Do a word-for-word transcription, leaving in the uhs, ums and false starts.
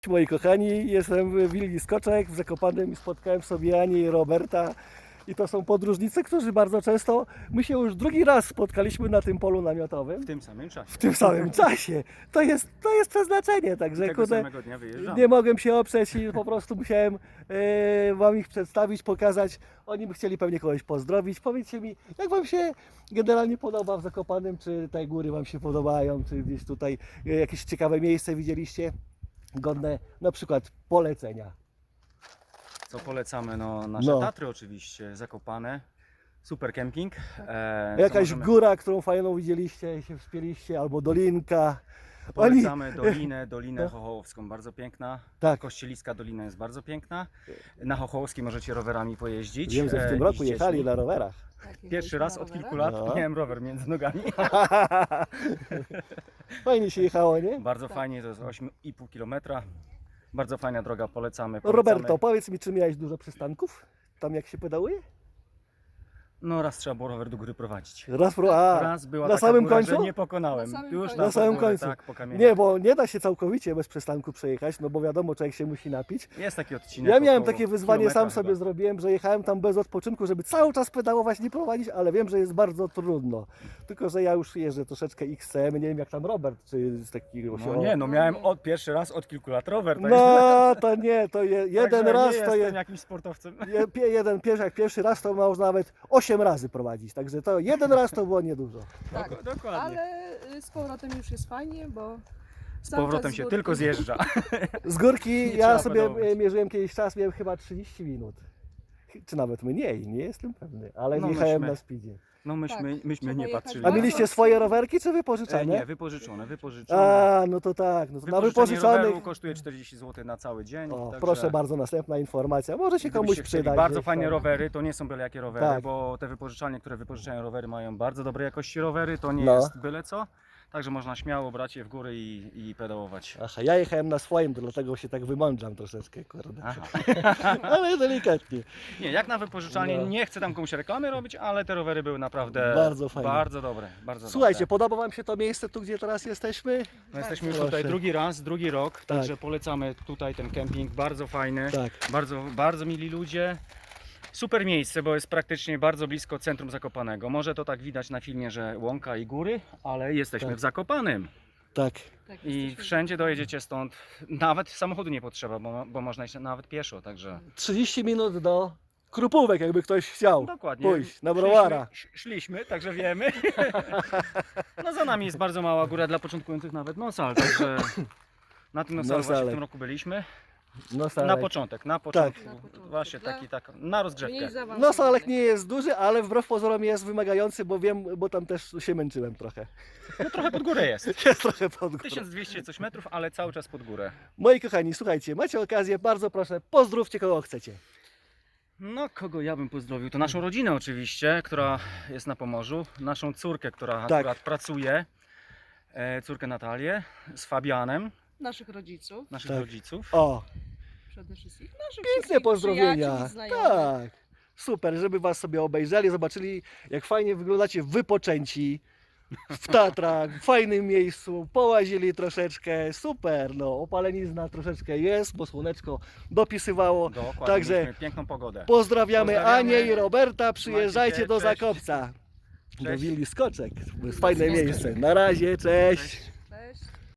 Moi kochani, jestem w willi Skoczek w Zakopanem i spotkałem sobie Anię i Roberta. I to są podróżnicy, którzy bardzo często, my się już drugi raz spotkaliśmy na tym polu namiotowym. W tym samym czasie. W tym samym czasie. To jest, to jest przeznaczenie, także Tego kurde, samego dnia wyjeżdżamy. nie mogłem się oprzeć i po prostu musiałem e, Wam ich przedstawić, pokazać. Oni by chcieli pewnie kogoś pozdrowić. Powiedzcie mi, jak Wam się generalnie podoba w Zakopanem, czy te góry Wam się podobają, czy gdzieś tutaj e, jakieś ciekawe miejsce widzieliście, godne na przykład polecenia. Co polecamy? No, nasze No. Tatry oczywiście, Zakopane. Super kemping. E, co Jakaś możemy- góra, którą fajną widzieliście i się wspięliście, albo dolinka. Polecamy Dolinę, Dolinę No. Chochołowską, bardzo piękna. Tak. Kościeliska Dolina jest bardzo piękna. Na Chochołowskiej możecie rowerami pojeździć. Wiem, że w e, tym i roku z jechali dziećmi. na rowerach. Pierwszy raz od kilku lat No. miałem rower między nogami. Fajnie się jechało, nie? Bardzo Tak. fajnie, to jest osiem i pół kilometra. Bardzo fajna droga, polecamy. polecamy. Roberto, powiedz mi, czy miałeś dużo przystanków? Tam jak się pedałuje? No raz trzeba było rower do góry prowadzić. Raz, pro... A, Raz była na taka samym góra, końcu? że nie pokonałem. Na samym Już końcu. Na samym górę, końcu. Tak, po kamieniach. Nie, bo nie da się całkowicie bez przystanku przejechać, no bo wiadomo, człowiek się musi napić. Jest taki odcinek. Ja miałem około takie wyzwanie, kilometra sam sobie chyba. zrobiłem, że jechałem tam bez odpoczynku, żeby cały czas pedałować, nie prowadzić, ale wiem, że jest bardzo trudno. Tylko, że ja już jeżdżę troszeczkę X C M, nie wiem jak tam Robert, czy z takiego się... No nie, no miałem od, pierwszy raz od kilku lat rower. Tak? No to nie, to je, jeden Także raz nie to jestem jest... jakimś sportowcem. Je, pie- jeden pierwszy, jak pierwszy raz to można nawet osiem razy prowadzić, także to jeden raz to było niedużo. Tak, Dok- dokładnie. ale y, z powrotem już jest fajnie, bo Z cały powrotem czas się z górki. tylko zjeżdża. Z górki Nie ja trzeba sobie pedałować. mierzyłem kiedyś czas, miałem chyba trzydzieści minut. Czy nawet mniej, nie jestem pewny, ale No jechałem myśmy- na speedzie. No myśmy, Tak, myśmy trzeba nie jechać patrzyli. A bardzo mieliście swoje rowerki czy wypożyczane? E, nie, wypożyczone, wypożyczone. A, no to tak, no to na Wypożyczenie wypożyczonych. roweru kosztuje czterdzieści złotych na cały dzień. O, także proszę bardzo, następna informacja. Może się komuś gdybyście chcieli przydać. Bardzo gdzieś fajne tam. rowery, to nie są byle jakie rowery, Tak. bo te wypożyczalnie, które wypożyczają rowery, mają bardzo dobrej jakości rowery, to nie No. jest byle co. Także można śmiało brać je w góry i, i pedałować. Aha, ja jechałem na swoim, to dlatego się tak wymądrzam troszeczkę, kurde. Aha. Ale delikatnie. Nie, jak na wypożyczalnie, No. nie chcę tam komuś reklamy robić, ale te rowery były naprawdę Bardzo fajne. bardzo dobre. Bardzo Słuchajcie, dobre. podoba Wam się to miejsce tu, gdzie teraz jesteśmy? No jesteśmy już Proszę. tutaj drugi raz, drugi rok, Tak. także polecamy tutaj ten kemping, bardzo fajny, Tak. bardzo, bardzo mili ludzie. Super miejsce, bo jest praktycznie bardzo blisko centrum Zakopanego. Może to tak widać na filmie, że łąka i góry, ale jesteśmy Tak. w Zakopanym. Tak. Tak, I jesteśmy wszędzie w- dojedziecie stąd, nawet samochodu nie potrzeba, bo, bo można iść nawet pieszo, także... trzydzieści minut do Krupówek, jakby ktoś chciał Dokładnie. pójść na browara. Szliśmy, szliśmy, także wiemy. No za nami jest bardzo mała góra dla początkujących, nawet Nosal, także na tym Nosalu właśnie w Nosalek. tym roku byliśmy. No Na salek. początek, na początku. Na początku. Właśnie Dla- taki, tak, na rozgrzewkę. Mniej zaawansowanych. No salek nie jest duży, ale wbrew pozorom jest wymagający, bo wiem, bo tam też się męczyłem trochę. No trochę pod górę jest. Jest trochę pod górą. tysiąc dwieście coś metrów, ale cały czas pod górę. Moi kochani, słuchajcie, macie okazję, bardzo proszę, pozdrówcie kogo chcecie. No kogo ja bym pozdrowił? To naszą rodzinę oczywiście, która jest na Pomorzu. Naszą córkę, która Tak. akurat pracuje. E, córkę Natalię z Fabianem, Naszych rodziców naszych Tak. rodziców. O, przede wszystkim. Naszych piękne wszystkich pozdrowienia. przyjaciół i znajomych. Tak. Super, żeby was sobie obejrzeli, zobaczyli jak fajnie wyglądacie wypoczęci w Tatrach, w fajnym miejscu, połazili troszeczkę, super, no opalenizna troszeczkę jest, bo słoneczko dopisywało. Dokładnie, Także mieliśmy piękną pogodę. Pozdrawiamy, Pozdrawiamy. Anię i Roberta, przyjeżdżajcie Trzymajcie do się, cześć. Zakopca. Do Cześć. willi Skoczek, to jest fajne miejsce. Na razie, cześć. Cześć.